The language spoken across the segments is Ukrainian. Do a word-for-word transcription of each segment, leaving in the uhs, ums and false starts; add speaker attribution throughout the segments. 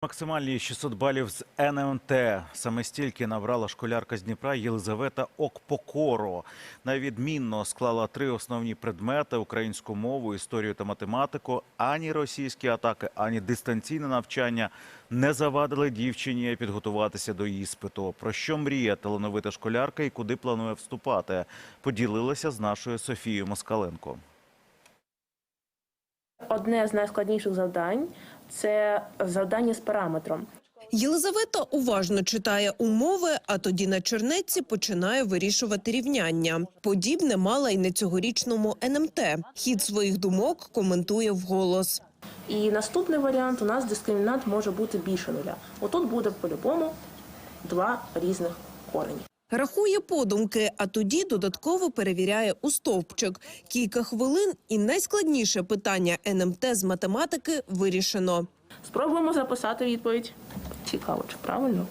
Speaker 1: Максимальні шістсот балів з ен ем те. Саме стільки набрала школярка з Дніпра Єлизавета Окпокоро. Найвідмінно склала три основні предмети – українську мову, історію та математику. Ані російські атаки, ані дистанційне навчання не завадили дівчині підготуватися до іспиту. Про що мріє талановита школярка і куди планує вступати? Поділилася з нашою Софією Москаленко.
Speaker 2: Одне з найскладніших завдань – це завдання з параметром.
Speaker 3: Єлизавета уважно читає умови, а тоді на чернетці починає вирішувати рівняння. Подібне мала й на цьогорічному ен ем те. Хід своїх думок коментує вголос.
Speaker 2: І наступний варіант – у нас дискримінант може бути більше нуля. Отут буде по-любому два різних корені.
Speaker 3: Рахує подумки, а тоді додатково перевіряє у стовпчик. Кілька хвилин і найскладніше питання ен ем те з математики вирішено.
Speaker 2: Спробуємо записати відповідь. Цікаво, чи правильно?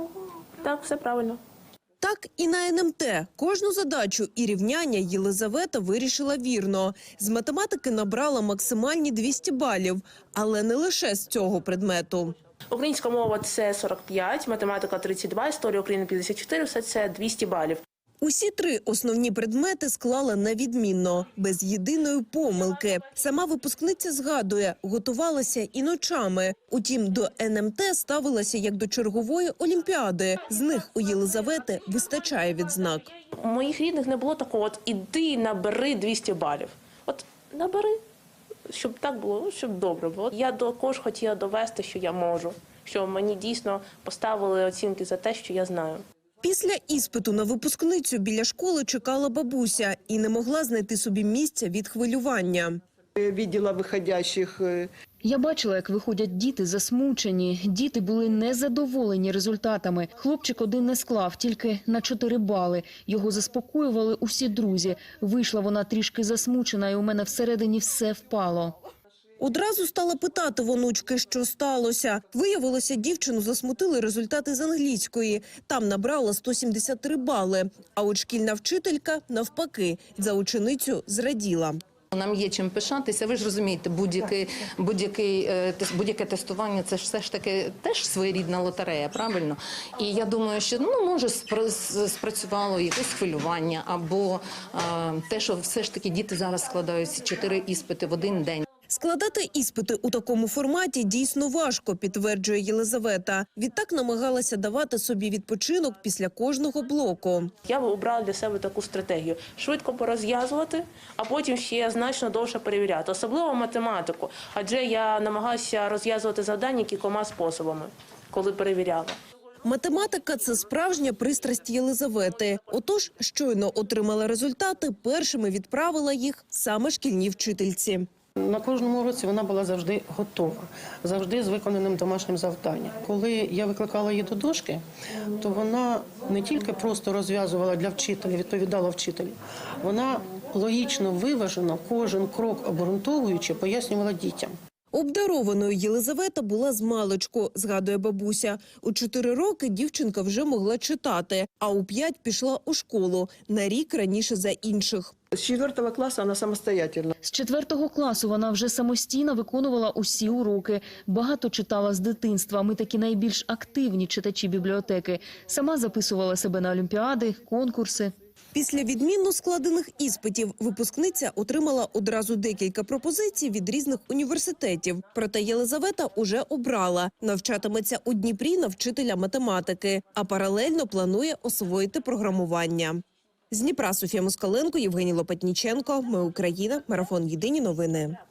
Speaker 2: Так, все правильно.
Speaker 3: Так і на ен ем те. Кожну задачу і рівняння Єлизавета вирішила вірно. З математики набрала максимальні двісті балів, але не лише з цього предмету.
Speaker 2: Українська мова – це сорок п'ять, математика – тридцять два, історія України – п'ятдесят чотири, все це двісті балів.
Speaker 3: Усі три основні предмети склала на відмінно, без єдиної помилки. Сама випускниця згадує, готувалася і ночами. Утім, до ен ем те ставилася як до чергової олімпіади. З них у Єлизавети вистачає відзнак.
Speaker 2: У моїх рідних не було такого, от іди набери двісті балів. От набери, щоб так було, щоб добре було. Я також хотіла довести, що я можу, що мені дійсно поставили оцінки за те, що я знаю.
Speaker 3: Після іспиту на випускницю біля школи чекала бабуся і не могла знайти собі місця від хвилювання.
Speaker 4: Виділа виходящих.
Speaker 5: Я бачила, як виходять діти засмучені. Діти були незадоволені результатами. Хлопчик один не склав, тільки на чотири бали. Його заспокоювали усі друзі. Вийшла вона трішки засмучена, і у мене всередині все впало.
Speaker 3: Одразу стала питати в онучки, що сталося. Виявилося, дівчину засмутили результати з англійської. Там набрала сто сімдесят три бали. А от шкільна вчителька, навпаки, за ученицю зраділа.
Speaker 6: Нам є чим пишатися. Ви ж розумієте, будь-яке будь-яке будь-яке тестування – це ж все ж таки теж своєрідна лотерея, правильно? І я думаю, що ну може спрацювало якесь хвилювання або е, те, що все ж таки діти зараз складають чотири іспити в один день.
Speaker 3: Складати іспити у такому форматі дійсно важко, підтверджує Єлизавета. Відтак намагалася давати собі відпочинок після кожного блоку.
Speaker 2: Я обрала для себе таку стратегію – швидко порозв'язувати, а потім ще значно довше перевіряти. Особливо математику, адже я намагалася розв'язувати завдання кількома способами, коли перевіряла.
Speaker 3: Математика – це справжня пристрасть Єлизавети. Отож, щойно отримала результати, першими відправила їх саме шкільній вчительці.
Speaker 4: На кожному уроці вона була завжди готова, завжди з виконаним домашнім завданням. Коли я викликала її до дошки, то вона не тільки просто розв'язувала для вчителя, відповідала вчителю, вона логічно, виважено, кожен крок обґрунтовуючи, пояснювала дітям.
Speaker 3: Обдарованою Єлизавета була змалечку, згадує бабуся. У чотири роки дівчинка вже могла читати, а у п'ять пішла у школу, на рік раніше за інших.
Speaker 4: З четвертого класу вона самостоятельна.
Speaker 5: З четвертого класу вона вже самостійно виконувала усі уроки. Багато читала з дитинства. Ми такі найбільш активні читачі бібліотеки. Сама записувала себе на олімпіади, конкурси.
Speaker 3: Після відмінно складених іспитів випускниця отримала одразу декілька пропозицій від різних університетів. Проте Єлизавета уже обрала. Навчатиметься у Дніпрі на вчителя математики, а паралельно планує освоїти програмування. З Дніпра Софія Москаленко, Євгеній Лопатніченко. Ми Україна. Марафон. Єдині новини.